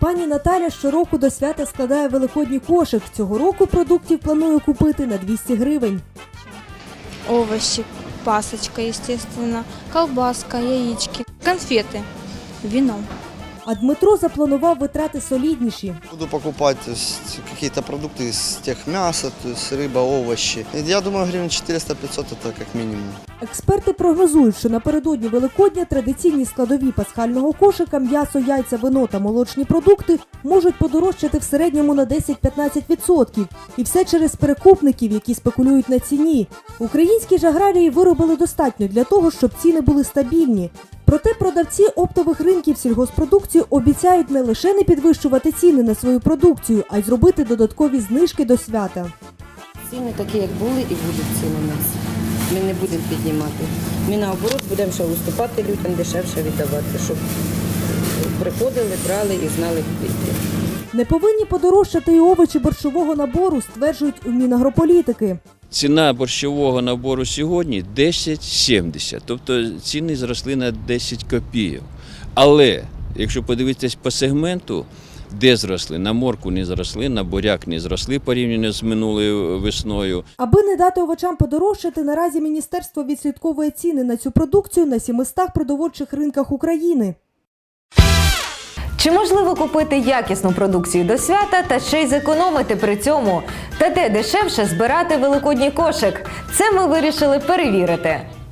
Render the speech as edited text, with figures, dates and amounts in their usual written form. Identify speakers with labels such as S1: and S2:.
S1: Пані Наталя щороку до свята складає великодній кошик. Цього року продуктів планує купити на 200 гривень.
S2: Овощи, пасочка, естественно, колбаска, яички, конфеты, вино.
S1: А Дмитро запланував витрати солідніші.
S3: Буду покупать какие-то продукты из тех мяса, то есть рыба, овощи. Я думаю, гривен 400-500 это как минимум.
S1: Експерти прогнозують, що напередодні Великодня традиційні складові пасхального кошика – м'ясо, яйця, вино та молочні продукти – можуть подорожчати в середньому на 10-15%. І все через перекупників, які спекулюють на ціні. Українські ж аграрії виробили достатньо для того, щоб ціни були стабільні. Проте продавці оптових ринків сільгоспродукції обіцяють не лише не підвищувати ціни на свою продукцію, а й зробити додаткові знижки до свята.
S4: Ціни такі, як були, і будуть ціни у нас. Ми не будемо піднімати. Ми наоборот будемо ще уступати людям, дешевше віддавати, щоб приходили, брали і знали купити.
S1: Не повинні подорожчати і овочі борщового набору, стверджують у Мінагрополітики.
S5: Ціна борщового набору сьогодні 10,70, тобто ціни зросли на 10 копійок. Але, якщо подивитись по сегменту, де зросли, на моркву не зросли, на буряк не зросли порівняно з минулою весною.
S1: Аби не дати овочам подорожчати, наразі міністерство відслідковує ціни на цю продукцію на 700 продовольчих ринках України.
S6: Чи можливо купити якісну продукцію до свята та ще й зекономити при цьому? Та де дешевше збирати великодній кошик? Це ми вирішили перевірити.